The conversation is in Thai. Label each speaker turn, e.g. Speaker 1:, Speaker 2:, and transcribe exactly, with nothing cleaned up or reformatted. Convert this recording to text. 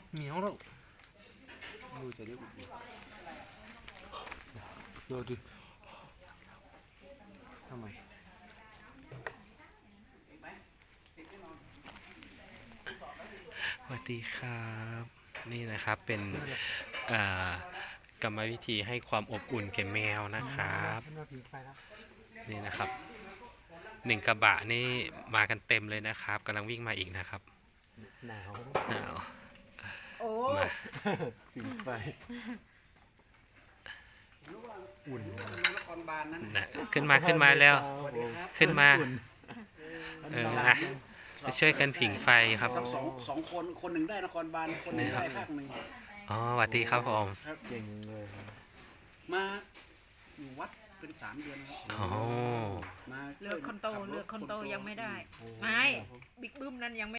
Speaker 1: เหนียวแล้วดูจะได้อุ่นดูดิทำไมสวัสดีครับนี่นะครับเป็นกรรมวิธีให้ความอบอุ่นแก่แมวนะครับนี่นะครับหนึ่งกระบะนี่มากันเต็มเลยนะครับกำลังวิ่งมาอีกนะครับหนาวหนาว
Speaker 2: โอ้
Speaker 1: มาผิงไฟอุ่นนะขึ้นมาขึ้นมาแล้วขึ้นมาเออนะจะช่วยกันผิงไฟครับ
Speaker 3: สองสองคนคนหนึ่งได้นครบาลคนหนึ่งได้ภาคหนึ่ง
Speaker 1: อ๋อสวัสดีครับผม
Speaker 3: เก่งเลยมาอยู่วัดเป็นสามเดือน
Speaker 1: อ๋อ
Speaker 2: เลือกคนโตเลือกคนโตยังไม่ได้ไม่บิ๊กบึ้มนั้นยังไม่